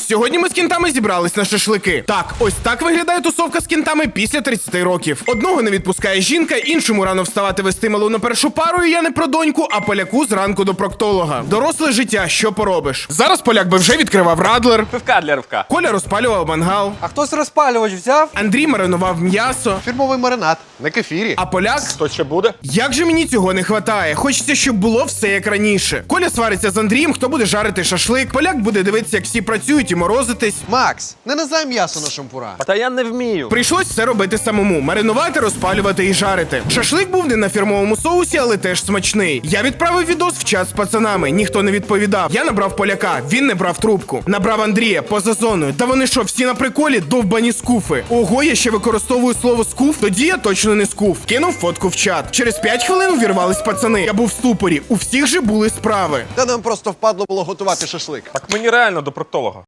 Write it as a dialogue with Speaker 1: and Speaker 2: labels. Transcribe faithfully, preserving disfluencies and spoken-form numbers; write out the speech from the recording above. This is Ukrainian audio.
Speaker 1: Сьогодні ми з кінтами зібрались на шашлики. Так, ось так виглядає тусовка з кінтами після тридцяти років. Одного не відпускає жінка, іншому рано вставати вести малу на першу пару, і я не про доньку, а поляку зранку до проктолога. Доросле життя, що поробиш? Зараз поляк би вже відкривав радлер.
Speaker 2: Пивка для ривка.
Speaker 1: Коля розпалював мангал.
Speaker 3: А хтось розпалювач взяв?
Speaker 1: Андрій маринував м'ясо.
Speaker 4: Фірмовий маринад, на кефірі.
Speaker 1: А поляк...
Speaker 2: Хто ще буде?
Speaker 1: Як же мені цього не хватає? Хочеться, щоб було все як раніше. Коля свариться з Андрієм, хто буде жарити шашлик. Поляк буде дивитися, як всі працюють і морозитись.
Speaker 4: Макс, не назай м'ясо на шампура.
Speaker 2: Та я не вмію.
Speaker 1: Прийшлось все робити самому: маринувати, розпалювати і жарити. Шашлик був не на фірмовому соусі, але теж смачний. Я відправив відос в чат з пацанами, ніхто не відповідав. Я набрав поляка, він не брав трубку. Набрав Андрія поза зоною. Та вони що, всі на приколі? Довбані скуфи. Ого, я ще використовую слово скуф, тоді я точно не скуф. Кинув фотку в чат. Через п'ять хвилин увірвались пацани. Я був в ступорі. У всіх же були справи.
Speaker 4: Та нам просто впадло було готувати шашлик.
Speaker 2: Так мені реально до проктолога.